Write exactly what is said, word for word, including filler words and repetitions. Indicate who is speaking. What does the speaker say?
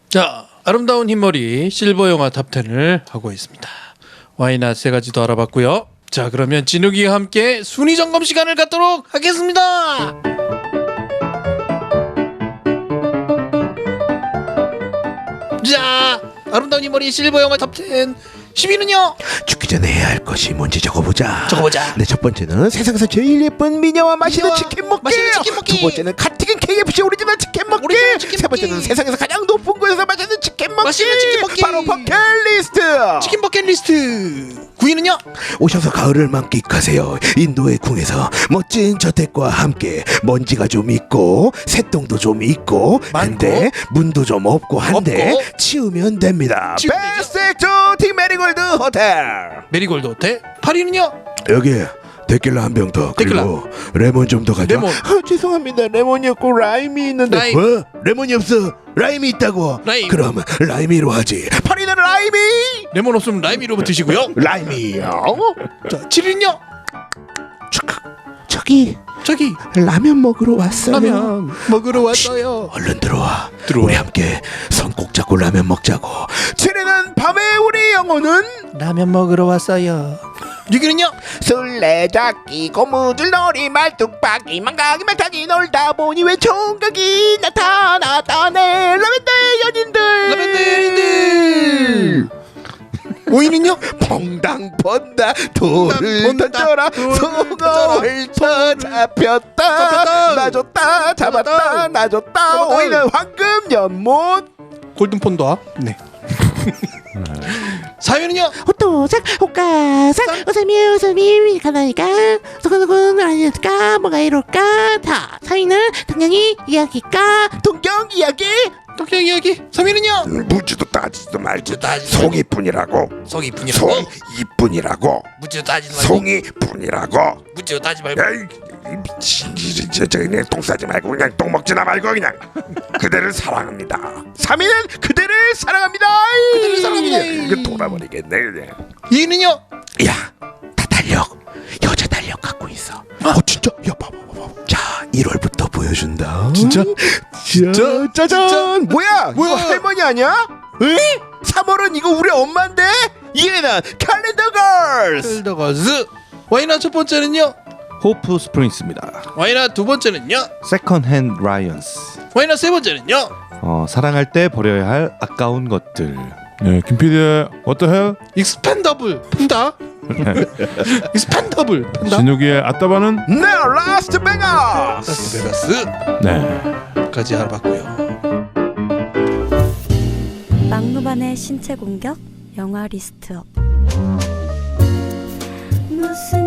Speaker 1: 자, 아름다운 흰머리 실버 영화 탑텐을 하고 있습니다. 와이낫 세 가지도 알아봤고요. 자, 그러면 진욱이와 함께 순위 점검 시간을 갖도록 하겠습니다. 자, 아름다운 흰머리 실버 영화 탑텐 십 위는요?
Speaker 2: 죽기 전에 해야 할 것이 뭔지 적어보자.
Speaker 1: 적어보자.
Speaker 2: 네, 첫 번째는 세상에서 제일 예쁜 미녀와 맛있는
Speaker 1: 미녀와
Speaker 2: 치킨 먹기.
Speaker 1: 맛있는 치킨 먹기.
Speaker 2: 두 번째는 갓튀긴 케이에프씨 오리지널 치킨 먹기.
Speaker 1: 오리지널 치킨
Speaker 2: 세
Speaker 1: 먹기.
Speaker 2: 번째는 세상에서 가장 높은 곳에서 맛있는 치킨 먹기.
Speaker 1: 맛있는 치킨 먹기.
Speaker 2: 바로 버킷리스트.
Speaker 1: 치킨 버킷리스트. 구 위는요?
Speaker 2: 오셔서 가을을 만끽하세요. 인도의 궁에서 멋진 저택과 함께 먼지가 좀 있고 새똥도 좀 있고
Speaker 1: 많고.
Speaker 2: 한데 문도 좀 없고 한데
Speaker 1: 없고.
Speaker 2: 치우면 됩니다.
Speaker 1: 치우면 되죠.
Speaker 2: 베스트 액조틱 메리골드 호텔.
Speaker 1: 메리골드 호텔. 팔 위는요?
Speaker 2: 여기 데킬라 한 병 더.
Speaker 1: 데킬라.
Speaker 2: 그리고 레몬 좀 더 가져.
Speaker 1: 레몬.
Speaker 2: 아, 죄송합니다. 레몬이 없고 라임이 있는데.
Speaker 1: 라임.
Speaker 2: 뭐? 레몬이 없어. 라임이 있다고.
Speaker 1: 라임.
Speaker 2: 그럼 라임이로 하지. 파리는 라임이.
Speaker 1: 레몬 없으면 라임이로 드시고요.
Speaker 2: 라임이요.
Speaker 1: 자, 칠 위는요?
Speaker 2: 저기
Speaker 1: 저기
Speaker 2: 라면 먹으러 왔어요.
Speaker 1: 라면 먹으러 왔어요.
Speaker 2: 얼른 들어와.
Speaker 1: 들어와.
Speaker 2: 우리 함께 손 꼭 잡고 라면 먹자고. 칠 위는 밤의 우리 영혼은
Speaker 1: 라면 먹으러 왔어요. 육 위는요?
Speaker 2: 술래잡기 고무줄놀이 말뚝박기 망가기 말타기 놀다 보니 왜 총각이 나타났다네. 라면대 연인들.
Speaker 1: 라면대 연인들. 오 위는요?
Speaker 2: 퐁당 펀다 돌을
Speaker 1: 퐁당
Speaker 2: 던져라.
Speaker 1: 돌을
Speaker 2: 송어를
Speaker 1: 던져라.
Speaker 2: 쳐 잡혔다.
Speaker 1: 잡혔다.
Speaker 2: 놔줬다 잡았다
Speaker 1: 잡았다.
Speaker 2: 놔줬다.
Speaker 1: 잡았다.
Speaker 2: 오 위는 황금 연못.
Speaker 1: 골든폰더. 네. 사 위는요?
Speaker 3: 호토상 호가상 우사미 우사미 가나니까 누구누구 아니까 뭐가 이럴까 다 사위는 당연히 이야기까
Speaker 2: 동경 이야기.
Speaker 1: 독경 이야기. 삼 위는요?
Speaker 2: 무지도 따지도 말지.
Speaker 1: 따지도
Speaker 2: 송이뿐이라고.
Speaker 1: 속이 이뿐이라고.
Speaker 2: 송이뿐이라고.
Speaker 1: 무지도 따지지 말고.
Speaker 2: 송이뿐이라고.
Speaker 1: 무지도 따지 말고.
Speaker 2: 야이 이 미친 저, 저 그냥 똥 싸지 말고 그냥 똥 먹지나 말고 그냥 그대를 사랑합니다. 삼 위는 그대를 사랑합니다.
Speaker 1: 그대를 사랑합니다.
Speaker 2: 이거 돌아버리겠네 그냥.
Speaker 1: 이 위는요?
Speaker 2: 야, 다 달력 여자 달력 갖고 있어. 어 진짜? 야 봐봐 봐봐. 자 일월부터 보여준다.
Speaker 1: 진짜?
Speaker 2: 진짜? 짜잔.
Speaker 1: 진짜?
Speaker 2: 뭐야?
Speaker 1: 뭐야?
Speaker 2: 이거 할머니 아니야? 에? 삼월은 이거 우리 엄마인데? 얘는 캘린더 걸스.
Speaker 1: 헬더거즈. 와이낫 첫 번째는요?
Speaker 4: 호프 스프링스입니다.
Speaker 1: 와이낫 두 번째는요?
Speaker 4: 세컨 핸드 라이언스.
Speaker 1: 와이낫 세 번째는요?
Speaker 4: 어, 사랑할 때 버려야 할 아까운 것들.
Speaker 5: 네, 김피디의 What the hell?
Speaker 1: 익스펜더블 팬다. 익스펜더블 팬다.
Speaker 5: 진욱이의 아따바는
Speaker 2: 네, 라스트 베가.
Speaker 1: 라스베가스까지
Speaker 5: 네.
Speaker 1: 알아봤고요.
Speaker 6: 막무반의 신체 공격 영화 리스트업. 무슨